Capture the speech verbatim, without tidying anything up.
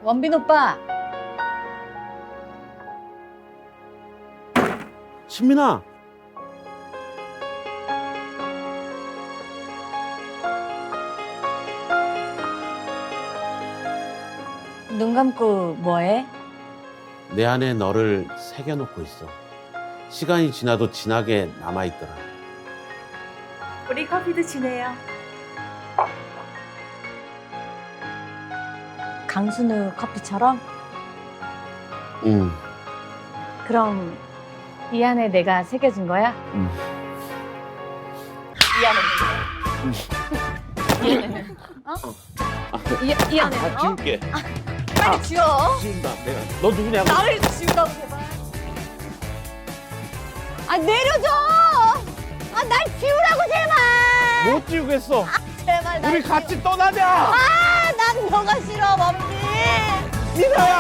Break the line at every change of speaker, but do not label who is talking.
원빈 오빠.
신민아.
눈 감고 뭐해?
내 안에 너를 새겨놓고 있어. 시간이 지나도 진하게 남아있더라.
우리 커피 드시네요.
강순우 커피처럼?
응.
그럼 이 안에 내가 새겨준 거야?
응.
이 안에는? 어? 이, 이 안에는?
아,
어?
지울게.
빨리 지워.
지운다. 내가. 너 누구냐고.
나를 지우라고 제발. 아 내려줘. 아 날 지우라고 제발.
못 지우겠어.
제발 날
우리
지우-
같이 떠나자.
아, 난 너가 싫어, 범진.
민아야.